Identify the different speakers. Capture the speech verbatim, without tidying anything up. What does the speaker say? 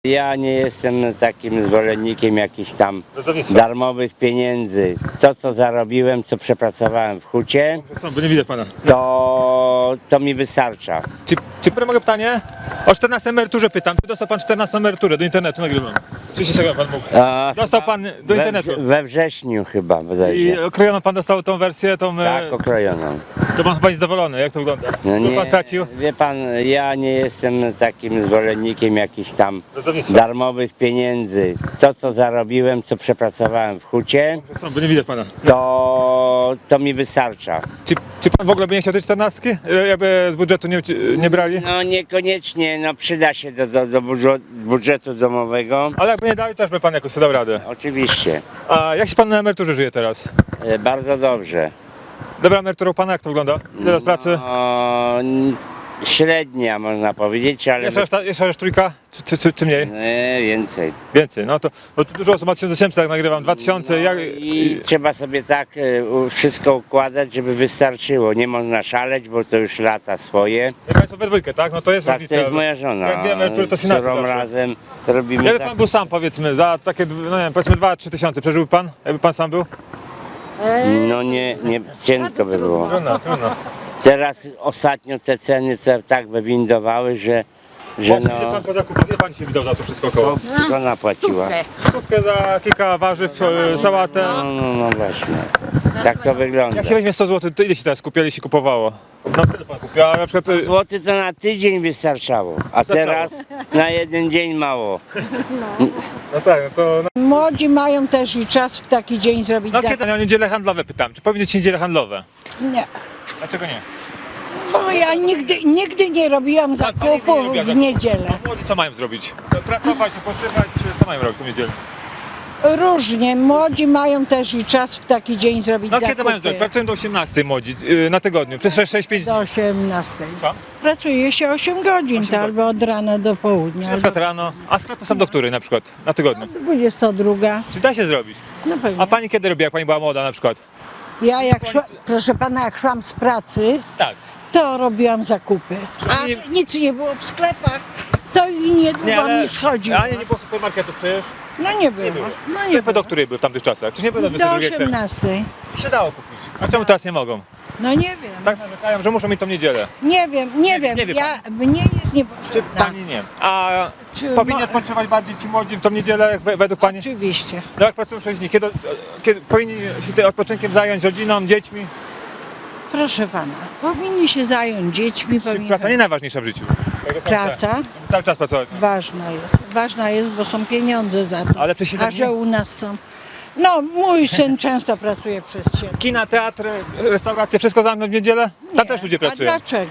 Speaker 1: Ja nie jestem takim zwolennikiem jakichś tam
Speaker 2: Rozdawnictwa.
Speaker 1: darmowych pieniędzy. To, co zarobiłem, co przepracowałem w hucie,
Speaker 2: Są, bo nie widać pana.
Speaker 1: to, to mi wystarcza.
Speaker 2: Czy, czy mogę pytanie? O czternastej emeryturze pytam. Czy dostał pan czternastą emeryturę? Do internetu nagrywam. Oczywiście sobie pan mógł.
Speaker 1: A,
Speaker 2: Dostał pan do
Speaker 1: we,
Speaker 2: internetu.
Speaker 1: we wrześniu chyba
Speaker 2: I
Speaker 1: bodajże.
Speaker 2: okrojoną pan dostał tą wersję, tą... e,
Speaker 1: Tak, okrojoną.
Speaker 2: To pan chyba jest zadowolony, jak to wygląda?
Speaker 1: No
Speaker 2: Co pan stracił?
Speaker 1: wie pan, ja nie jestem takim zwolennikiem jakichś tam
Speaker 2: Rozdawnictwa.
Speaker 1: darmowych pieniędzy. To, co zarobiłem, co przepracowałem w hucie,
Speaker 2: Są, bo nie widać pana.
Speaker 1: to, to mi wystarcza.
Speaker 2: Czy, czy pan w ogóle by nie chciał tej czternastki? E, Jakby z budżetu nie, nie brali?
Speaker 1: No niekoniecznie, no przyda się do, do, do budżu- budżetu domowego.
Speaker 2: Ale jakby nie dali, też by pan jakoś sobie dał radę.
Speaker 1: Oczywiście,
Speaker 2: A jak się pan na emeryturze żyje teraz?
Speaker 1: e, bardzo dobrze.
Speaker 2: Dobra emerytura u pana, jak to wygląda? Ile lat pracy?
Speaker 1: O, n- średnia można powiedzieć, ale
Speaker 2: Jeszcze raz, ta- jeszcze raz trójka? Czy, czy, czy, czy mniej?
Speaker 1: nie, więcej.
Speaker 2: Więcej, no to bo tu dużo osób ma tysiąc osiemset, tak nagrywam, dwa tysiące, jak,
Speaker 1: I trzeba sobie tak e, u- wszystko układać, żeby wystarczyło. Nie można szaleć, bo to już lata swoje.
Speaker 2: jak państwo we dwójkę, tak? No to jest
Speaker 1: Tak,
Speaker 2: różnica.
Speaker 1: to jest moja żona.
Speaker 2: Jak dwie emerytury, to
Speaker 1: z
Speaker 2: synacja
Speaker 1: którą
Speaker 2: zawsze.
Speaker 1: razem to robimy
Speaker 2: Jakby
Speaker 1: tak.
Speaker 2: pan był sam, powiedzmy, za takie, no nie wiem, powiedzmy dwa trzy tysiące, przeżyłby pan? Jakby pan sam był?
Speaker 1: No nie, nie, cienko by było.
Speaker 2: Trudno, trudno.
Speaker 1: Teraz ostatnio te ceny co tak wywindowały, że, że
Speaker 2: Właśnie, ile
Speaker 1: no,
Speaker 2: pan po zakupach, ile pan się wydał za to wszystko około?
Speaker 1: żona płaciła.
Speaker 2: Stówkę za kilka warzyw, e, sałatę.
Speaker 1: No, no, no właśnie. Tak to wygląda.
Speaker 2: Jak się weźmie sto złotych, to ile się teraz kupiło, ile się kupowało? No tyle pan kupił, a na przykład... e,
Speaker 1: Złoty to na tydzień wystarczało, a teraz na jeden dzień mało.
Speaker 2: No tak, no to... No,
Speaker 3: Młodzi mają też i czas w taki dzień zrobić
Speaker 2: no
Speaker 3: zakup.
Speaker 2: kiedy o niedziele handlowe pytam, czy powinny być niedziele handlowe?
Speaker 3: Nie,
Speaker 2: Dlaczego nie?
Speaker 3: bo ja nigdy, nigdy nie robiłam
Speaker 2: Pan- pani nie
Speaker 3: zakupów
Speaker 2: robiła
Speaker 3: w
Speaker 2: zakupów.
Speaker 3: niedzielę.
Speaker 2: Młodzi co mają zrobić? Pracować, odpoczywać, czy co mają robić w tą niedzielę?
Speaker 3: Różnie, młodzi mają też i czas w taki dzień zrobić
Speaker 2: No
Speaker 3: zakupy.
Speaker 2: kiedy mają zrobić? Pracują do osiemnastej młodzi, yy, na tygodniu, przez sześć pięć
Speaker 3: Do osiemnastej.
Speaker 2: Co?
Speaker 3: Pracuje się osiem godzin, to albo od rana do południa,
Speaker 2: Na
Speaker 3: albo
Speaker 2: przykład rano, a sklepy są do której na przykład? Na tygodniu.
Speaker 3: dwudziesta druga.
Speaker 2: Czy da się zrobić?
Speaker 3: No pewnie.
Speaker 2: A pani kiedy robiła, jak pani była młoda na przykład?
Speaker 3: Ja jak szła, proszę pana, jak szłam z pracy,
Speaker 2: Tak.
Speaker 3: to robiłam zakupy. A
Speaker 2: pani nie-
Speaker 3: że nic nie było w sklepach, to i niedługo mi schodziło.
Speaker 2: ale nie było supermarketu przecież.
Speaker 3: No nie było.
Speaker 2: było.
Speaker 3: No nie
Speaker 2: Sklepy
Speaker 3: było.
Speaker 2: do której były w tamtych czasach? Czy nie były do
Speaker 3: Do
Speaker 2: dwudziestej drugiej?
Speaker 3: osiemnastej.
Speaker 2: I się dało kupić. A czemu teraz nie mogą?
Speaker 3: No nie wiem.
Speaker 2: Tak narzekają, że muszą mieć tą niedzielę.
Speaker 3: Nie wiem, nie wiem.
Speaker 2: nie wie
Speaker 3: ja, mnie jest
Speaker 2: Czy
Speaker 3: niepotrzebna.
Speaker 2: pani nie? A
Speaker 3: Czy
Speaker 2: powinni
Speaker 3: mo-
Speaker 2: odpoczywać bardziej ci młodzi w tą niedzielę, jak we- według pani?
Speaker 3: Oczywiście.
Speaker 2: No jak pracują sześć dni, kiedy, kiedy powinni się tym odpoczynkiem zająć rodziną, dziećmi?
Speaker 3: Proszę pana, powinni się zająć dziećmi,
Speaker 2: Czy
Speaker 3: powinni...
Speaker 2: praca nie najważniejsza w życiu? Tak do końca.
Speaker 3: Praca?
Speaker 2: Cały czas pracować.
Speaker 3: Ważna jest. Ważna jest, bo są pieniądze za to.
Speaker 2: Ale przez siedem
Speaker 3: A że
Speaker 2: dni?
Speaker 3: u nas są... No, mój syn często pracuje przez siebie.
Speaker 2: Kina, teatry, restauracje, wszystko zamknąć w niedzielę? Tam też ludzie
Speaker 3: A
Speaker 2: pracują.
Speaker 3: dlaczego?